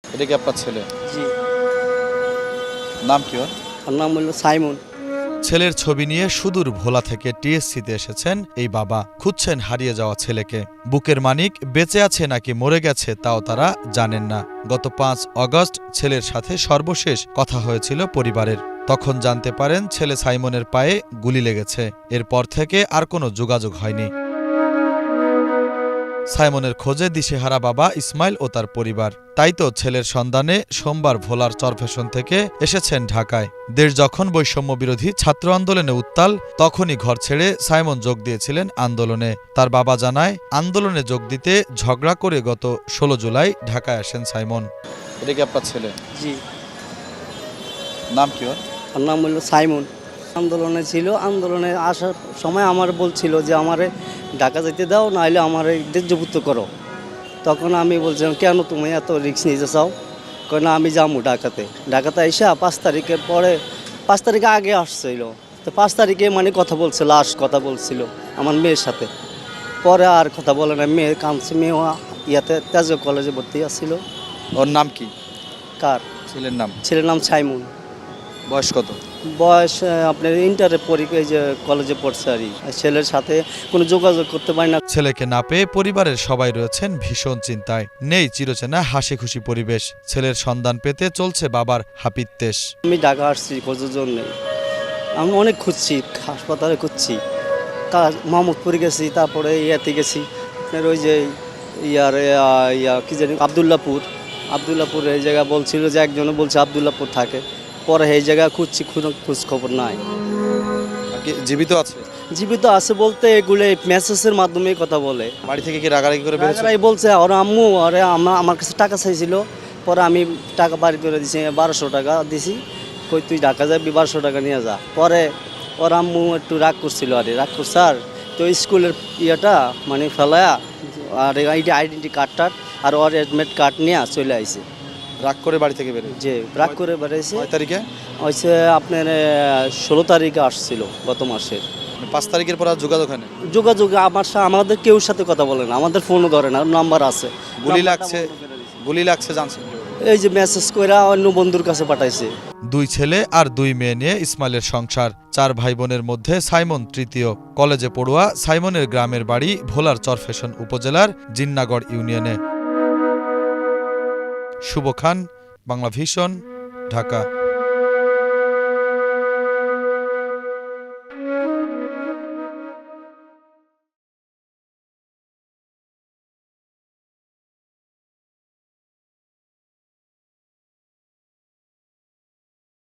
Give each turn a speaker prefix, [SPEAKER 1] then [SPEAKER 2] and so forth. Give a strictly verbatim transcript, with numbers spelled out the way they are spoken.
[SPEAKER 1] এটা কি আপনার ছেলে?
[SPEAKER 2] জি।
[SPEAKER 1] নাম কি ওর?
[SPEAKER 2] ওর নাম হলো সাইমন।
[SPEAKER 3] ছেলের ছবি নিয়ে সুদূর ভোলা থেকে টিএসসিতে এসেছেন এই বাবা। খুঁজছেন হারিয়ে যাওয়া ছেলেকে। বুকের মানিক বেঁচে আছে নাকি মরে গেছে তাও তারা জানেন না। গত পাঁচ অগস্ট ছেলের সাথে সর্বশেষ কথা হয়েছিল পরিবারের। তখন জানতে পারেন ছেলে সাইমনের পায়ে গুলি লেগেছে। এরপর থেকে আর কোনো যোগাযোগ হয়নি। সাইমনের খোঁজে দিশেহারা বাবা ইসমাইল ও তার পরিবার। তাই তো ছেলের সন্ধানে সোমবার ভোলার চরফ্যাশন থেকে এসেছেন ঢাকায়। দেশ যখন বৈষম্য বিরোধী ছাত্র আন্দোলনে উত্তাল, তখনই ঘর ছেড়ে সাইমন যোগ দিয়েছিলেন আন্দোলনে। তার বাবা জানায়, আন্দোলনে যোগ দিতে ঝগড়া করে গত ষোলো জুলাই ঢাকায় আসেন সাইমন।
[SPEAKER 1] এটা কি আপনার ছেলে?
[SPEAKER 2] জি।
[SPEAKER 1] নাম কি ওর?
[SPEAKER 2] ওর নাম হলো সাইমন। আন্দোলনে ছিল, আন্দোলনে আসার সময় আমার বলছিল যে আমারে ঢাকা যেতে দাও, নাহলে আমার দেশযুক্ত করো। তখন আমি বলছিলাম, কেন তুমি এত রিস্ক নিতে চাও? কেন আমি যাবো ঢাকাতে। ঢাকাতে এসে পাঁচ তারিখের পরে, পাঁচ তারিখে আগে আসছিল, তো পাঁচ তারিখে মানে কথা বলছে, লাস্ট কথা বলছিল আমার মেয়ের সাথে। পরে আর কথা বলে না, মেয়ে কাঁদছে। মেয়ে ইয়াতে তেজ কলেজে ভর্তি আসছিল।
[SPEAKER 1] ওর নাম কি?
[SPEAKER 2] কার?
[SPEAKER 1] ছেলের নাম।
[SPEAKER 2] ছেলের নাম সাইমন।
[SPEAKER 1] বয়স কত?
[SPEAKER 2] বয়স আপনার ইন্টারের পরীক্ষায় যে কলেজে পড়ছে আর কি। ছেলের সাথে কোনো যোগাযোগ করতে পারি না।
[SPEAKER 3] ছেলেকে না পেয়ে পরিবারের সবাই রয়েছেন ভীষণ চিন্তায়। নেই চিরচেনা হাসি খুশি পরিবেশ। ছেলের সন্ধান পেতে চলছে বাবার হাপিত্যেশ।
[SPEAKER 2] আমি ঢাকা আসছি খোঁজার জন্য। আমি অনেক খুঁজছি, হাসপাতালে খুঁজছি, মোহাম্মদপুরে গেছি, তারপরে ইয়াতে গেছি আপনার ওই যে ইয়ার ইয়া কী জানি আবদুল্লাপুর। আবদুল্লাপুর এই জায়গা বলছিল যে একজনে বলছে আবদুল্লাপুর থাকে। পরে এই জায়গায় খুঁজছি, কোনো খোঁজ খবর নাই।
[SPEAKER 1] আর কি জীবিত আছে?
[SPEAKER 2] জীবিত আছে বলতে এগুলো মেসেজের মাধ্যমে কথা বলে।
[SPEAKER 1] বাড়ি থেকে কি রাগারাগি করে বেরোচ্ছে?
[SPEAKER 2] রাগারাগি বলছে ওর আম্মু, ওরে আমার কাছে টাকা চাইছিল। পরে আমি টাকা বাড়ি করে দিছি, বারোশো টাকা দিছি। কই তুই ঢাকা যাবি, বারোশো টাকা নিয়ে যা। পরে ওর আম্মু একটু রাগ করছিল, আরে রাগ করছে আর তো স্কুলের ইয়েটা মানে ফেলায়া আর এইটা আইডেন্টি কার্ডটার আর ওর অ্যাডমিট কার্ড নিয়ে চলে আইছে।
[SPEAKER 1] রাগ করে বাড়ি থেকে বেরোয়?
[SPEAKER 2] যে রাগ করে বেড়াইছে।
[SPEAKER 1] কয় তারিখে?
[SPEAKER 2] হয়েছে আপনার ষোলো তারিখে আসছিল গত মাসের।
[SPEAKER 1] পাঁচ তারিখের পর আর যোগাযোগ হয় না?
[SPEAKER 2] যোগাযোগ আমার সাথে আমাদের কেউ সাথে কথা বলে না, আমাদের ফোনও ধরে না, নাম্বার আছে।
[SPEAKER 1] গুলি লাগছে, গুলি লাগছে জানছেন?
[SPEAKER 2] এই যে মেসেজ করে অন্য বন্ধুর কাছে পাঠাইছে।
[SPEAKER 3] দুই ছেলে আর দুই মেয়ে নিয়ে ইসমাইলের সংসার। চার ভাই বোনের মধ্যে সাইমন তৃতীয়। কলেজে পড়ুয়া সাইমনের গ্রামের বাড়ি ভোলার চরফ্যাশন উপজেলার জিন্নাগড় ইউনিয়নে। শুভ খান, বাংলা ভিশন, ঢাকা।